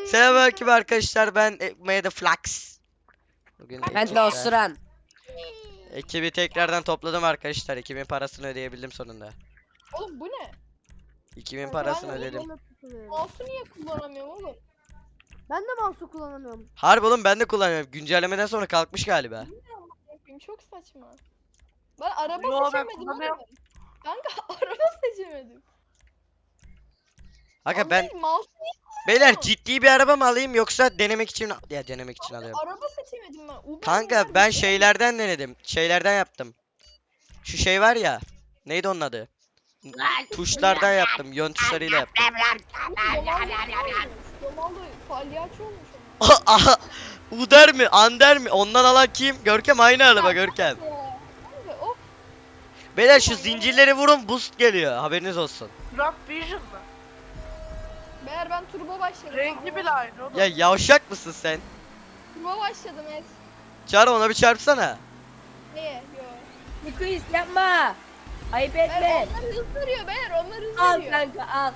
Selamünaleyküm arkadaşlar, ben Made Flux. Bugün Ben de osuran. ekibi tekrardan topladım arkadaşlar. Ekibin parasını ödeyebildim sonunda. Oğlum bu ne? Ekibin parasını Ben ödedim. Mouse'u niye kullanamıyorum oğlum? Ben de mouse'u kullanamıyorum. Harbi oğlum, ben de kullanıyorum. Güncellemeden sonra kalkmış galiba. Yapayım, çok saçma. Ben araba Yo, ben seçemedim kullanıyorum. oğlum. Kanka araba seçemedim. Aga ben Anlayın, mouse'u niye beyler ciddi bir araba mı alayım yoksa denemek için denemek için alıyorum. araba seçemedim ben. Uber Kanka Uber ben bir şey şeylerden denedim. Şeylerden yaptım. Şu şey var ya. Neydi onun adı? Tuşlardan yaptım. Yön tuşlarıyla yaptım. Domaldo palyaço olmuş Aha, Uder mi? Ander mi? Ondan alan kim? Görkem aynı araba Görkem. ama. Kanka of. Beyler şu zincirleri vurun, boost geliyor. Haberiniz olsun. Rock Vision mı? Meğer ben turbo başladım. Renkli bile aynı oğlum. Ya yavşak mısın sen? Turbo başladım es. Çağır, ona bir çarpsana. Neye? Yo. Nikuis yapma. Ayıp Meğer etme. onlar hız veriyor beyler, onlar hız Al veriyor. kanka al.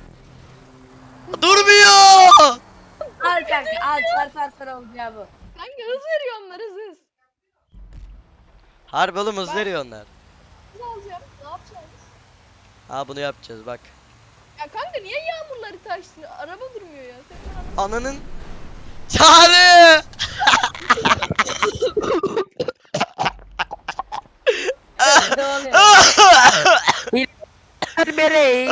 Durmuyor. Al kanka al. Çarparsan olacağı bu. Kanka hız veriyor onlar, hız. Harbi oğlum, hız veriyor onlar. Hız alacağım. Ne yapacağız? Ha, bunu yapacağız bak. Ya kanka niye yağmurları taştı? Araba durmuyor ya. Senin araba... Ananın. Çağrı. Ne oluyor? Bereyi.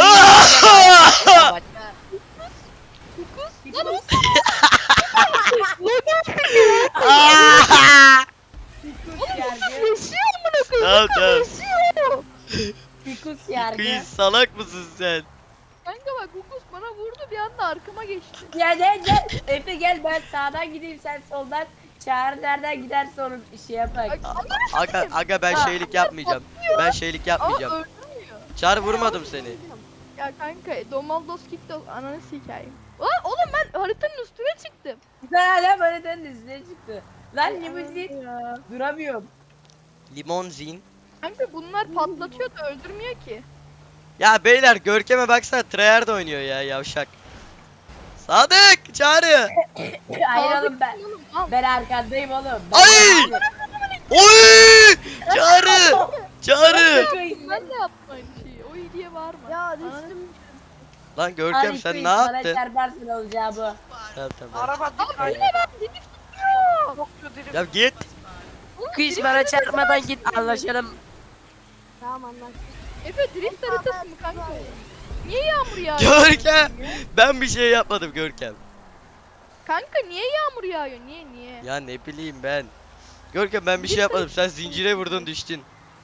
Tamam tamam. Fikus yargı. Kıyı, salak mısın sen? Kanka bak, Hukus bana vurdu, bir anda arkama geçti. Ya gel. Efe gel, ben sağdan gideyim, sen soldan. Çağrı nereden giderse onu şey yapak. Aga ben şeylik yapmayacağım. Ben şeylik Ama yapmayacağım. öldürmüyor. Çağrı, vurmadım seni. Ya kanka Domaldos Kickdog ananı sikeyim. Lan oğlum ben haritanın üstüne çıktım. Sen hala haritanın üstüne çıktı. Lan limuzin. Ya. Duramıyorum. Limonzin. Kanka bunlar patlatıyor da öldürmüyor ki. Ya beyler, Görkem'e baksana, tryhard oynuyor ya, yavşak. Sadık, Çağrı. Ayıralım ben. Oğlum, al. Ben arkandayım oğlum. Ay! Oy! Çağrı! Çağrı! Ben de yaptım aynı şeyi. O iyi diye bağırma. Ya Ananı- düştüm. Lan Görkem, sen ne yaptın? Bana çarparsın olacağı bu. Tamam tamam. Araba dik aynı. Yine ben drift tutuyor. Çok kötü. Ya git. Kış bana çarpmadan git, anlaşalım. Tamam anlaştık. Efe drift haritası mı kanka? Niye yağmur yağıyor? Görkem! Ben bir şey yapmadım Görkem. Kanka niye yağmur yağıyor? Niye? Ya ne bileyim ben. Görkem, ben bir şey yapmadım. Sen zincire vurdun, düştün.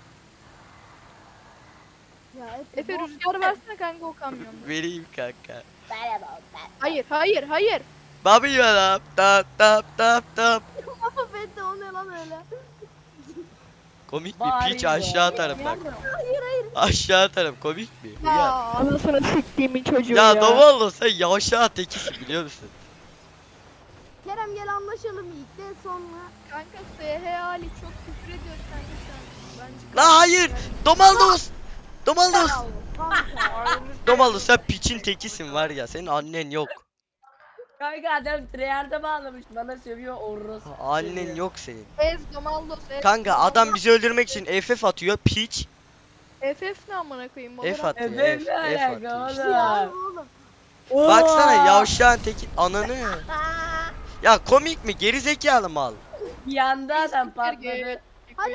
Ya Efe rüzgar versene kanka o kamyonu. Vereyim kanka. Hayır. Babi ya, tap tap tap tap. Ben de o ne lan öyle? Komik mi? Piç, aşağı atarım bak. Hayır. Aşağı atarım, komik mi? Ya Ya, anasını siktiğimin çocuğu ya Dovallo, sen yavşağı tekisin, biliyor musun? Kerem gel anlaşalım ilk de sonra. Kanka SH Ali çok küfür ediyor kanka sen. Bence La hayır! Domaldos! Domaldos! Kanka. Domaldos, sen piçin tekisin var ya, senin annen yok. Kanka adam treyarda bağlamış, bana sövüyor orospu. Annen yok senin. Ez Domaldos ez. Kanka adam bizi öldürmek için FF atıyor, piç. FF ne amına koyayım? F Valorant. atıyor, Evet, F, ne F alaka atıyor işte. oğlum? Baksana yavşağın teki, ananı. Ya komik mi? Geri zekalı mal. Yanda adam patladı. Hadi.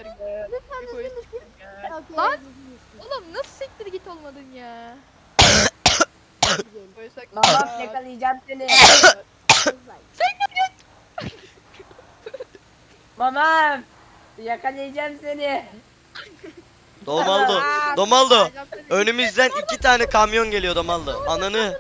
Lan! Oğlum nasıl siktir git olmadın ya? Koysak- Babam yakalayacağım seni. Babam yakalayacağım seni. Domaldo, Domaldo. Önümüzden 2 tane kamyon geliyor Domaldo. Ananı.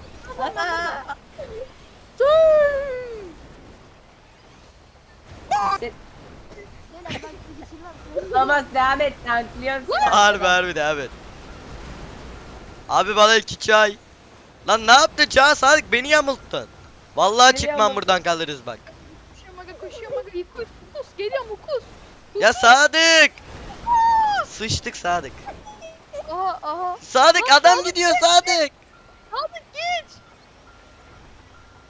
Babam devam et, tanklıyorum seni. Harbi devam et. Abi bana 2 çay. Lan ne yaptın Çağ? Sadık, beni yamulttun. Vallahi Beni çıkmam yamulttun. buradan, kalırız bak. Koşuyor maga Hukus geliyor Hukus. Ya Sadık! Sıçtık Sadık. Aha. Sadık, adam gidiyor Sadık. Sadık geç.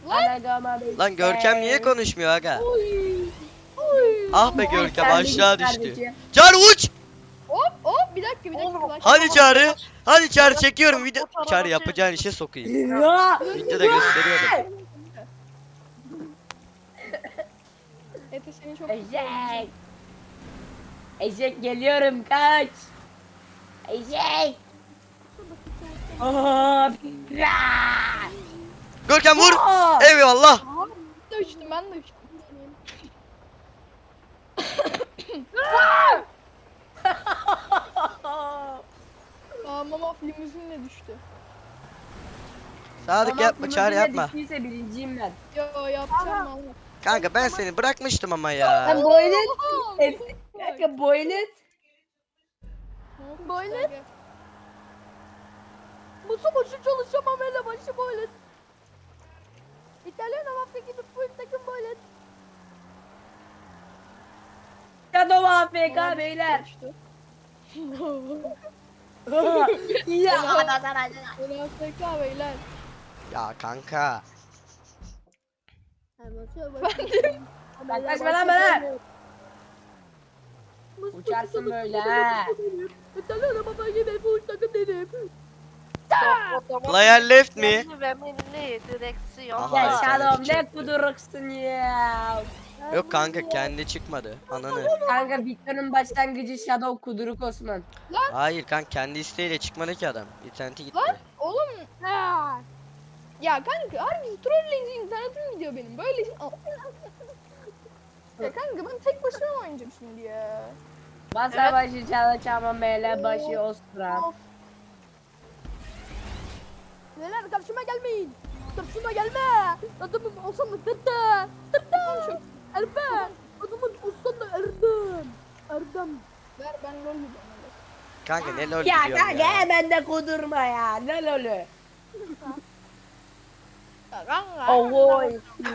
Lan Görkem niye konuşmuyor aga? Oy. Oy. Ah be Görkem Sen aşağı git düştü. kardeşim. Çağrı uç! Hop hop bir dakika. Oğlum, Hadi Çağrı. Hadi Çağrı çekiyorum O video. tarafa Çağrı şey- yapacağın işe sokayım. Ya. Videoda gösteriyorum. Efe seni çok Eşek. Eşek geliyorum kaç. Eşek. Hop. Görkem vur. Aa! Eyvallah. Ben de uçtum ben de uçtum. Aa mama limuzinle düştü. Sadık Tamam, yapma Çağrı limuzinle yapma. düştüyse birinciyim ben. Yo yapacağım valla. Kanka ben seni bırakmıştım ama ya. Ben boylet. Oha, Efe- Kanka boylet. Böyle? Musu başı çalışamam hele başı böyle. İtalyan mafya gibi full takım böyle. Shadow AFK beyler. Düştü. Ya. Öyle AFK beyler. Ya kanka. Yaklaşma lan bana. Uçarsın böyle ha. İtalyan mafya gibi full takım dedim. Player left mi? Ve benimle direksiyon. Aha, Ya bir tane Shadow ne çıktı. kuduruksun ya. Yok kanka kendi çıkmadı. Ananı. Kanka Victor'un başlangıcı Shadow kuduruk Osman. Hayır kanka kendi isteğiyle çıkmadı ki adam. İnterneti gitti. Lan oğlum Ha. ya kanka harbi trolleyince internetim gidiyor benim. Böyle ya kanka ben tek başıma mı oynayacağım şimdi ya? Masa Evet. başı çalışamam mele başı ostra. Of. Neler karşıma gelmeyin. Karşıma gelme. Adamım olsam da tırtı. Tırtı. Erbe. Adamın olsam da Erdem. Erdem. Ver ben rol gidiyorum. Kanka ne lol Ya gidiyorum kanka ya. hemen de kudurma ya. Ne lolü. Ya kanka. Oy.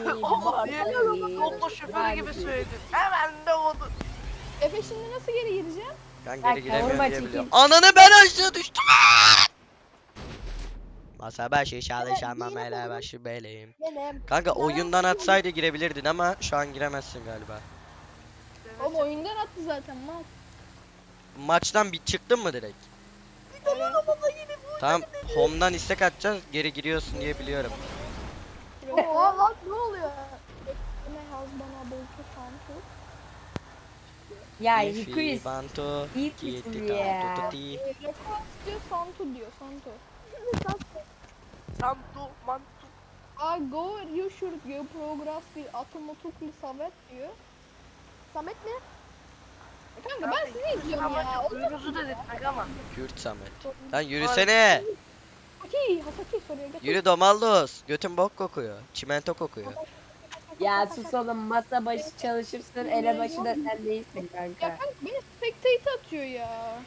Yolda şoför gibi söyledin. Hemen de oldu. Efe şimdi nasıl geri gireceğim? Ben Bak, geri giremiyorum kavurma diye biliyorum. çekeyim. Ananı ben aşağı düştüm. Masa başı çalışamam hele başı beleyim. Benim. Kanka oyundan atsaydı girebilirdin ama şu an giremezsin galiba. Oğlum oyundan attı zaten mal. Maçtan bir çıktın mı direkt? Tamam home'dan istek atacağız geri giriyorsun diye biliyorum. Oha lan ne oluyor? Ne yaz bana bolca santu. Ya Ifi, Hikuis. Bantu, İyi Kiti, misin ya? Kantu, Tuti. Rekord diyor santu diyor santu. Santu, mantu. Go you should go progress with automatically savet diyor. Samet mi? Kanka ben sizi izliyorum ya. Uyuruzu da dedik ama. Kürt Samet. Lan yürüsene. Hasaki soruyor. Getir. Yürü Domaldos. Götün bok kokuyor. Çimento kokuyor. Ya sus oğlum masa başı çalışırsın ele başı da sen değilsin Ya kanka. kanka beni spectate atıyor ya.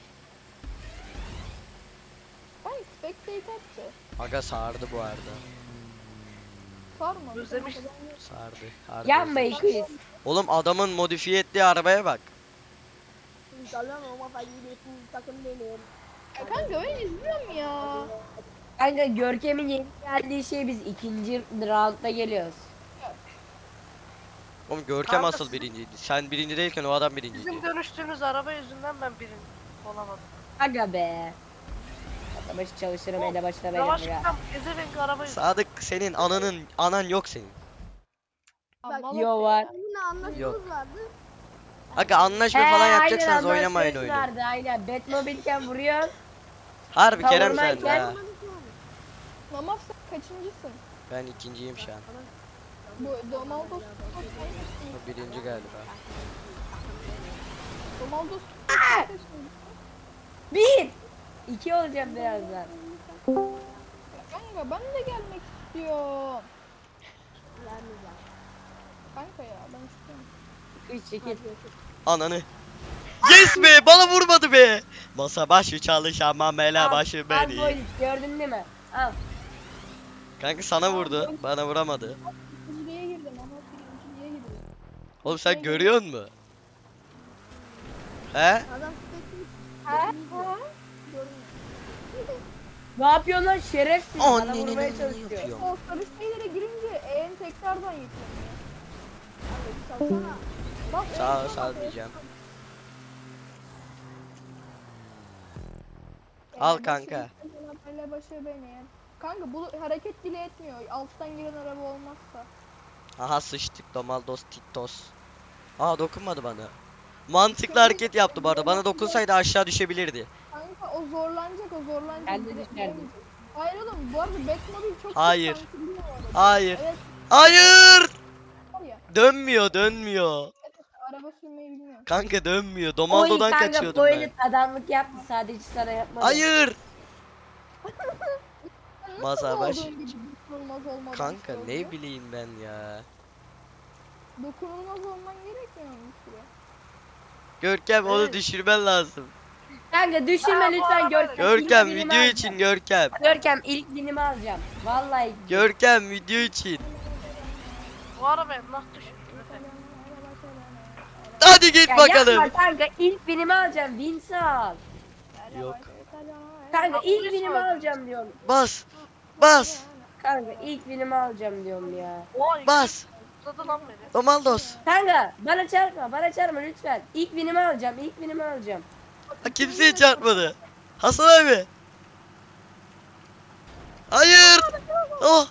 Ben spectate attı. Aga sardı bu arada. Sarma. Özlemiş. Sardı. Harbi Yanma özlemiş. Hikuis. Oğlum adamın modifiye ettiği arabaya bak. İtalyan mafya gibi full takım benim. Ya kanka ben izliyorum ya. Kanka Görkem'in yeni geldiği şey biz ikinci roundda geliyoruz. Oğlum Görkem Kanka asıl sizin- birinciydi. Sen birinci değilken o adam birinciydi. Bizim dönüştüğümüz araba yüzünden ben birinci olamadım. Aga be. Masa başı çalışırım ele başı da benim ya. Yavaşlıktan ezevenk araba yüzünden. Sadık senin anan yok senin. Aman Yo var. Yine anlaşmamız Yok. vardı. Aga anlaşma falan yapacaksanız aynen, oynamayın anlaşması oyunu. vardı aynen. Batmobile'ken vuruyor. Harbi Kerem sen de Kavurmayken- ha. Mamaf sen kaçıncısın? Ben ikinciyim şu an. Bu Domaldos. O birinci galiba. Domaldos. Bir. İki olacağım birazdan. Kanka ben de gelmek istiyorum. Vermeyeceğim. Kanka ya ben istiyorum. Kız çekil. Ananı. Yes be bana vurmadı be. Masa başı çalışamam ele başı Al beni. boy gördün değil mi? Al. Kanka sana vurdu. Bana vuramadı. Birinciliğe girdim ama birinciliğe girdim. Oğlum sen görüyor musun? He? Adam spekli. Ha? Ne yapıyorsun lan şerefsiz? Bana Anneni vurmaya ne çalışıyor. yapıyor? O sarı şeylere girince tekrardan yükleniyor. Abi salsana. Bak, Sağ ol, en sağ ol son diyeceğim. Al kanka. Böyle başı benim. Kanka bu hareket bile etmiyor. Alttan giren araba olmazsa. Aha sıçtık Domaldos Titos. Aa dokunmadı bana. Mantıklı hareket yaptı bu arada. Bana dokunsaydı aşağı düşebilirdi. Kanka o zorlanacak. Ben de Direkt düşerdim. giremeyecek. Hayır oğlum bu arada back model çok Hayır. sansürlü bu arada. Hayır. Evet Hayır! var ya. Dönmüyor. Araba sürmeyi bilmiyor. Kanka dönmüyor. Oy Domaldo'dan kanka kaçıyordum bu ben. elit adamlık yaptı sadece sana yapmadı. Hayır! Sen Masa nasıl baş. olduğun gibi dokunulmaz olmadan Kanka şey ne oluyor? bileyim ben ya. Dokunulmaz olman gerekmiyor mu bir süre? Görkem onu Evet. düşürmen lazım. Kanka düşürme Aa, bu lütfen araba- Görkem. Görkem İlk video binimi için alacağım. Görkem. Görkem ilk binimi alacağım. Vallahi. Görkem video için. Bu arabayı nasıl düşürdün Efe? Hadi git Ya bakalım. yapma kanka ilk binimi alacağım. Vinci al. Yok. Kanka Ya, ilk polis binimi var. alacağım diyorum. Bas. Bas. Kanka ilk binimi alacağım diyorum ya. Oy. Bas. Tutladı lan beni. Domaldos. Kanka bana çarpma lütfen. İlk binimi alacağım. İlk binimi alacağım. Ha, kimseye çarpmadı. Hasan abi. Hayır. Oh.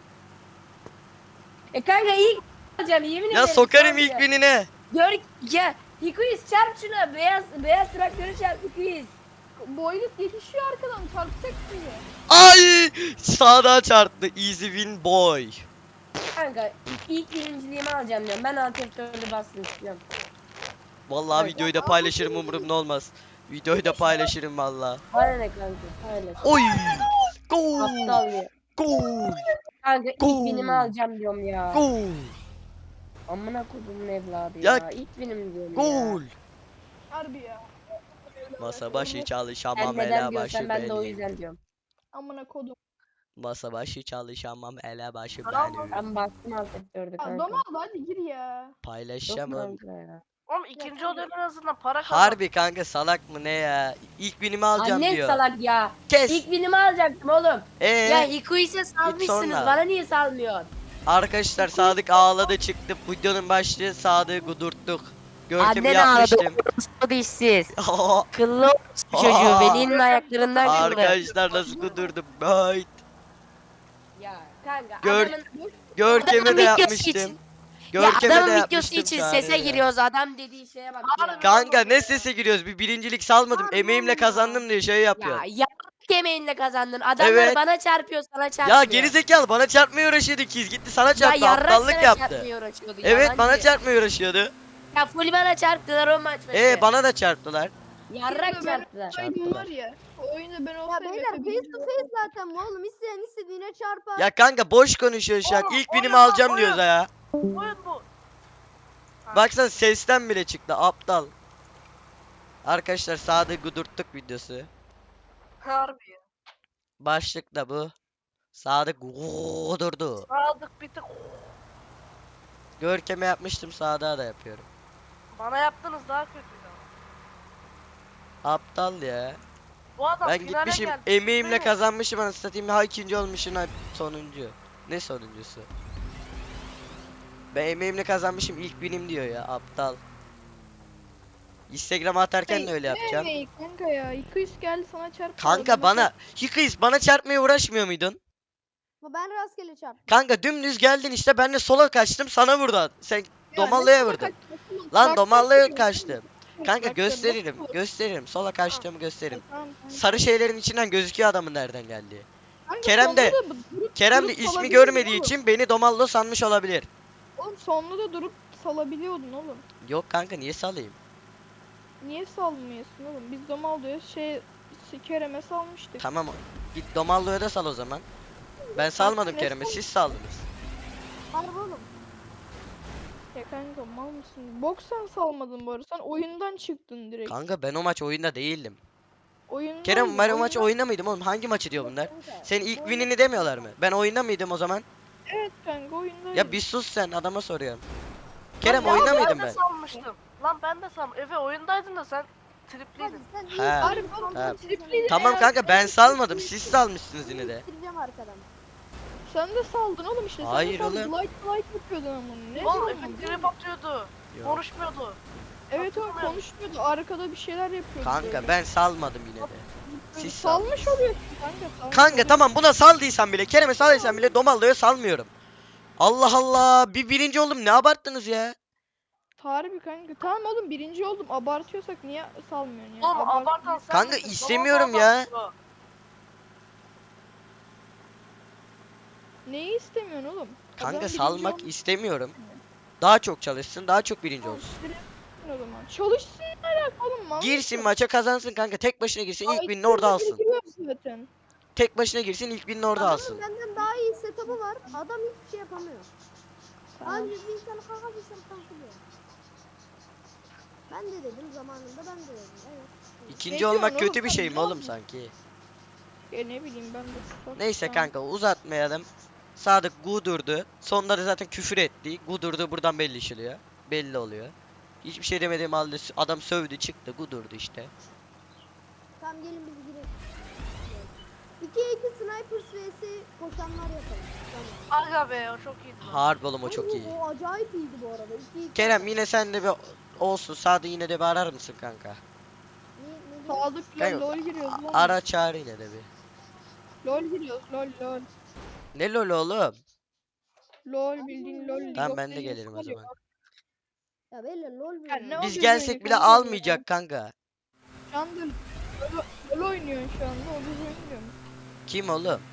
Kanka ilk alacağım yemin ederim. Ya sokarım sadece. ilk binine. Gör ya Hikuis çarp şuna beyaz traktörü çarp Hikuis. Boylut yetişiyor arkadan çarpacak sizi. Ay. Sağdan çarptı. Easy win boy. Kanka ilk birinciliğimi alacağım diyorum. Ben antrenörlü bastım istiyorum. Vallahi Evet. videoyu da paylaşırım umurumda olmaz. Videoyu da paylaşırım vallahi. Bana ne kanka paylaş. Oy. Gol. Aptal ya. Gol. Kanka ilk Gol. binimi alacağım diyorum ya. Gol. Amına kodumun evladı Ya- ya. İlk binim diyorum ya. Gol. Harbi ya. Masa başı Sen çalışamam neden ele diyorsan başı ben de o benim. yüzden diyorum. Amına kodum. Masa başı çalışamam ele başı Tamam. benim. Ben bastım antrenörde Ya kanka. Donald hadi gir ya. Yok Paylaşamam. kanka ya. Oğlum ikinci oluyor en azından para kazan. Harbi kanka salak mı ne ya? İlk binimi alacağım Annen diyor. salak ya. Kes. İlk binimi alacaktım oğlum. Ya Hikuis'e salmışsınız. sonra. Bana niye salmıyorsun? Arkadaşlar Sadık ağladı çıktı. Videonun başlığı Sadık'ı kudurttuk. Görkemi Annen ağladı. yapmıştım. O dişsiz. Kıllı çocuğu. Velinin ayaklarından kıllı. Arkadaşlar nasıl kudurdum? Hayt. Ya kanka Gör- adamın, Görkemi adamın de videosu yapmıştım. için. Görkemi de adamın videosu yapmıştım için Sadık'a. sese giriyoruz. Adam dediği şeye bak ya. Kanka ne sese giriyoruz? Bir birincilik salmadım. Emeğimle kazandım diye şey yapıyor. Ya yemeğinle kazandın. Adamlar Evet. bana çarpıyor sana çarpıyor. Ya gerizekalı bana çarpmaya uğraşıyordu ikiz. Gitti sana Ya çarptı. yarrak Aptallık sana yaptı. çarpmaya uğraşıyordu. Evet yalancı. bana çarpmaya uğraşıyordu. Ya full bana çarptılar o maç başı. Bana da çarptılar. Yarrak çarptılar. Oyun var ya. O oyunda ben Ya olsaydım. beyler face to face zaten bu oğlum. İsteyen istediğine çarpar. Ya kanka boş konuşuyor şu an. Oğlum, İlk oyun binimi lan, alacağım oyun. diyoruz ya. Oyun bu. Baksana sesten bile çıktı aptal. Arkadaşlar Sadık'ı gudurttuk videosu. Harbi ya. Başlık da bu. Sadık gudurdu. Sadık bir tık. Görkem'e yapmıştım Sadık'a da yapıyorum. Bana yaptınız daha kötüydü ama. Aptal ya. Bu adam Ben finale gitmişim geldi. emeğimle Değil mi? kazanmışım anasını satayım. Ha ikinci olmuşum ha sonuncu. Ne sonuncusu? Ben emeğimle kazanmışım ilk binim diyor ya aptal. Instagram'a atarken de öyle yapacağım. Ne kanka ya? 200 geldi sana çarptı. Kanka bana Hikayız bana çarpmaya uğraşmıyor muydun? Ama ben rastgele çarptım. Kanka dümdüz geldin işte ben de sola kaçtım sana vurdun. Sen Domallı'ya vurdun. Lan Domallı'ya kaçtım. Kanka gösteririm. Sola kaçtığımı gösteririm. Sarı şeylerin içinden gözüküyor adamın nereden geldiği. Kerem de ismi görmediği için beni Domallı sanmış olabilir. Oğlum sonunda da durup salabiliyordun oğlum. Yok kanka niye salayım? Niye salmıyorsun oğlum? Biz Domaldo'ya Kerem'e salmıştık. Tamam git Domallı'ya da sal o zaman. Ben salmadım ne Kerem'e siz saldınız. Harbi oğlum. Ya kanka mal mısın? Bok sen salmadın bu arada. Sen oyundan çıktın direkt. Kanka ben o maç oyunda değildim. Oyundan Kerem ben o maç oyunda mıydım oğlum? Hangi maçı diyor bunlar? Senin ilk winini demiyorlar mı? Ben oyunda mıydım o zaman? Evet kanka oyundan. Ya bir sus sen adama soruyorum. Kerem Lan oyunda ya, mıydım Ben de ben? sanmıştım. Lan ben de sanmıştım. Efe oyundaydın da sen tripliydin. Sen He. iyi Harbi oğlum, he. tripliydi. Tamam kanka ben salmadım siz salmışsınız yine de. Bitireceğim arkadan. Sen de saldın oğlum işte. Hayır sen de saldın. oğlum. Like yapıyordun ama. Ne Oğlum saldın? Efe trip atıyordu. Yok. Konuşmuyordu. Evet o Hatırlamıyorum. konuşmuyordu. Arkada bir şeyler yapıyordu. Kanka böyle. ben salmadım yine de. Siz Salmış oluyorsun kanka. salmış Kanka oluyorsun. tamam buna saldıysan bile, Kerem'e saldıysan bile Domallı'ya salmıyorum. Allah Allah, bir birinci oldum, ne abarttınız ya? Harbi kanka. Tamam oğlum birinci oldum. Abartıyorsak niye salmıyorsun ya? Oğlum abartan sen Kanka, misin? istemiyorum Domal ya. abartıyor. Neyi istemiyorsun oğlum? Kanka Adam birinci salmak olmuş istemiyorum. Daha çok çalışsın, daha çok birinci olsun. o zaman. Çalışsın ne alaka oğlum? Mal Girsin mısın? maça kazansın kanka, tek başına girsin, ilk Ay, binini orada şurada alsın. biri giriyor zaten. Tek başına girsin, ilk binini orada Adamın alsın. benden daha iyi setup'ı var. Adam hiçbir şey yapamıyor. Tamam. Anca bir insan kaka bir insan kalkıyor. Ben de dedim zamanında, ben de dedim. Evet. İkinci Ne diyorsun olmak oğlum kötü bir sen, şey ne mi oğlum oldu? sanki? Ya ne bileyim ben de. Neyse Tamam. kanka, uzatmayalım. Sadık gudurdu. Sonunda da zaten küfür etti. Gudurdu buradan belli işiliyor. Belli oluyor. Hiçbir şey demediğim halde adam sövdü çıktı, gudurdu işte. Tamam gelin biz girelim. 2-2 snipers vs koşanlar yapalım. Tamam. Aga be o çok iyiydi. Harbi oğlum, o çok Oğlum, iyi. O acayip iyiydi bu arada. 2-2. Kerem yine sen de bir olsun. Sadık yine de bir arar mısın kanka? Ne Sadık'la Kanka, lol giriyoruz lan. Ara çağır yine de bir. Lol giriyoruz lol. Ne lol oğlum? Lol bildiğin lol. League Tamam of ben de Legends gelirim o var ya. zaman. Ya böyle lol Ya bir ne Biz yapıyorsun gelsek öyle bile kanka? almayacak kanka. Şu anda lol oynuyorsun şu anda. O biz oynuyor. Kim oğlum?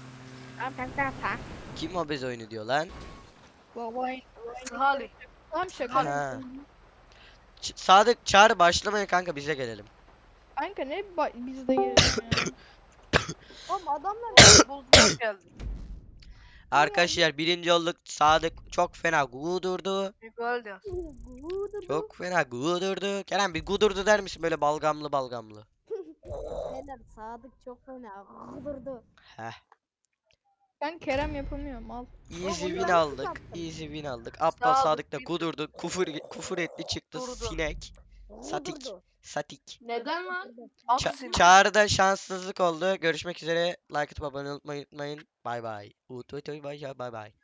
Kim o bez oyunu diyor lan? Vay. Salih. Tamam şaka. Ha. Sadık çağır, başlamayın kanka, bize gelelim. Kanka ne biz de gelelim ya. Oğlum adamlar Buldular geldi. Arkadaşlar birinci olduk. Sadık çok fena gudurdu. Gol diyor. Çok fena gudurdu. Kerem bir gudurdu der misin, böyle balgamlı balgamlı? Beyler Sadık çok fena kudurdu. Heh. Ben Kerem yapamıyorum al. Easy onu win ben aldık. yaptım. Easy win aldık. Aptal Sadık Sadık da bir- gudurdu. Küfür etti çıktı Durdu. sinek. Satik. Kudurdu. Satik. Neden lan? At seni. Çağrı'da şanssızlık oldu. Görüşmek üzere. Like atıp abone olmayı unutmayın. Bay bay. Bay bay.